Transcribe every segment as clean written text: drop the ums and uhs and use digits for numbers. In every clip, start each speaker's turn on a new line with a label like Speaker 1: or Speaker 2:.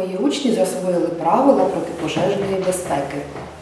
Speaker 1: мої учні засвоїли правила протипожежної безпеки.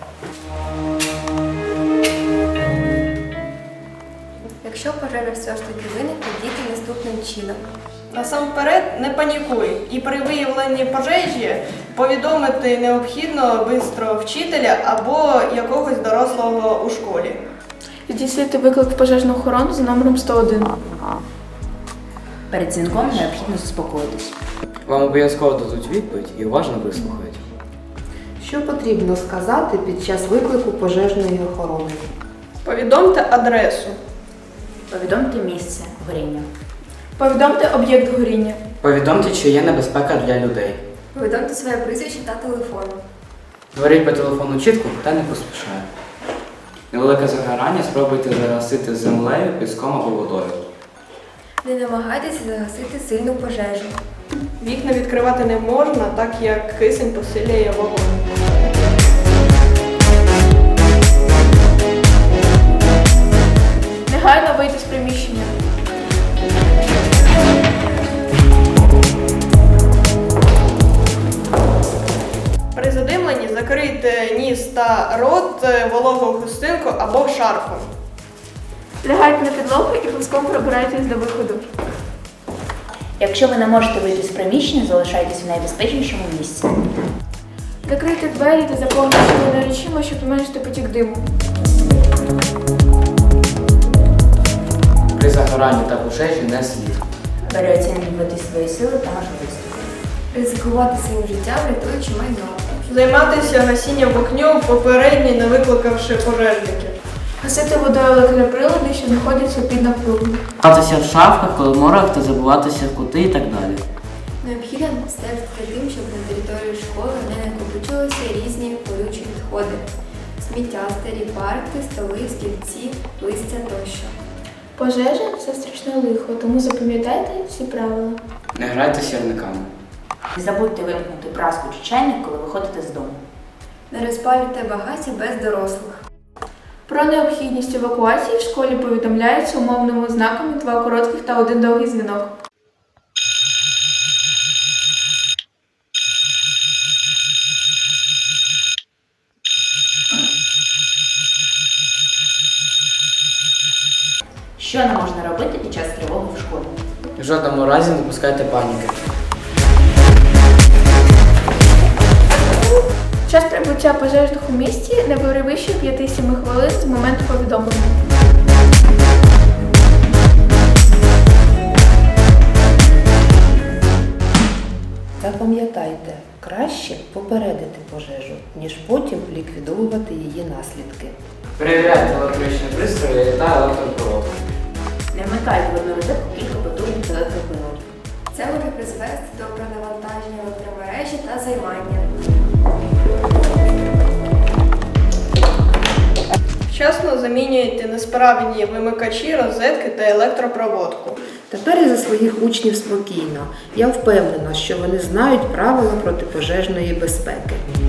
Speaker 2: Якщо пожежа все ж таки виникне, діти наступним чином.
Speaker 3: Насамперед не панікуй і при виявленні пожежі повідомити необхідно швидко вчителя або якогось дорослого у школі.
Speaker 4: Здійснити виклик в пожежну охорону за номером 101.
Speaker 5: Перед дзвінком необхідно заспокоїтись.
Speaker 6: Вам обов'язково дадуть відповідь і уважно вислухають.
Speaker 1: Що потрібно сказати під час виклику пожежної охорони?
Speaker 3: Повідомте адресу.
Speaker 5: Повідомте місце горіння.
Speaker 4: Повідомте об'єкт горіння.
Speaker 6: Повідомте, чи є небезпека для людей.
Speaker 2: Повідомте своє прізвище та телефон.
Speaker 6: Говоріть по телефону чітко та не поспішає. Невелике загорання спробуйте загасити землею, піском або водою.
Speaker 2: Не намагайтеся загасити сильну пожежу.
Speaker 3: Вікна відкривати не можна, так як кисень посилює вогонь.
Speaker 4: Негайно вийти з приміщення.
Speaker 3: При задимленні закрийте ніс та рот вологою хустинкою або шарфом.
Speaker 4: Лягайте на підлогу і плеском пробирайтесь до виходу.
Speaker 5: Якщо ви не можете вийти з приміщення, залишайтесь в найбезпечнішому місці.
Speaker 4: Закрийте двері та заповніть їх речима, щоб зменшити потік диму.
Speaker 6: При загоранні та пожежі не слід.
Speaker 5: Переоцінювати свої сили та можливості.
Speaker 2: Ризикувати своїм життям, рятуючи майно.
Speaker 3: Займатися гасінням вогню попередньо, не викликавши пожежників.
Speaker 4: Гасити водою електроприлади, що знаходяться під напругою.
Speaker 7: Ховатися в шафках, коломорах та забуватися в кути і так далі.
Speaker 2: Необхідно стежити за тим, щоб на території школи не накопичувалися різні колючі відходи. Сміття, старі парти, столи, стільці, листя тощо.
Speaker 4: Пожежа – це страшне лихо, тому запам'ятайте всі правила.
Speaker 6: Не грайте з сірниками.
Speaker 5: Не забудьте вимкнути праску чи чайник, коли виходите з дому.
Speaker 2: Не розпалюйте багаття без дорослих.
Speaker 4: Про необхідність евакуації в школі повідомляється умовними знаками 2 коротких та 1 довгий дзвінок.
Speaker 5: Що не можна робити під час тривоги в школі?
Speaker 6: В жодному разі не допускайте паніки.
Speaker 4: Час прибуття пожежних у місті не перевищує 5-7 хвилин з моменту повідомлення.
Speaker 1: Запам'ятайте, краще попередити пожежу, ніж потім ліквідовувати її наслідки.
Speaker 6: Перевіряйте електричні пристрої та електропроводку.
Speaker 5: Не вмикайте в одну розетку кілька потужних електроприладів.
Speaker 2: Це може призвести до перенавантаження електромережі та займання.
Speaker 3: Вчасно замінюйте несправні вимикачі, розетки та електропроводку.
Speaker 1: Тепер і за своїх учнів спокійно. Я впевнена, що вони знають правила протипожежної безпеки.